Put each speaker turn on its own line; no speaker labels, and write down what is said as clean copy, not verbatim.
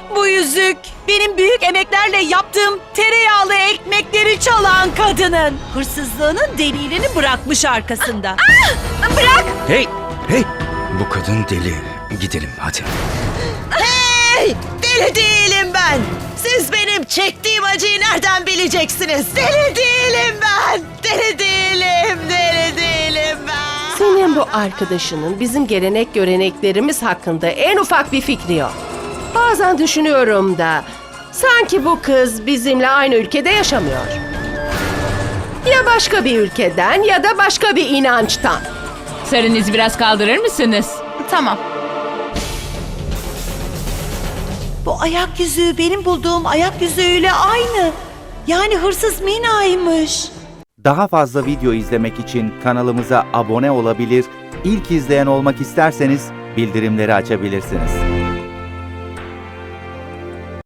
Bu yüzük benim büyük emeklerle yaptığım tereyağlı ekmekleri çalan kadının. Hırsızlığının delilini bırakmış arkasında.
Bırak!
Hey! Hey! Bu kadın deli. Gidelim hadi.
Hey! Deli değilim ben. Siz benim çektiğim acıyı nereden bileceksiniz? Deli değilim ben. Deli değilim. Deli değilim ben.
Senin bu arkadaşının bizim gelenek göreneklerimiz hakkında en ufak bir fikri yok. Bazen düşünüyorum da sanki bu kız bizimle aynı ülkede yaşamıyor. Ya başka bir ülkeden ya da başka bir inançtan.
Sarınızı biraz kaldırır mısınız?
Tamam. Bu ayak yüzüğü benim bulduğum ayak yüzüğüyle aynı. Yani hırsız Mina'ymış.
Daha fazla video izlemek için kanalımıza abone olabilir, ilk izleyen olmak isterseniz bildirimleri açabilirsiniz.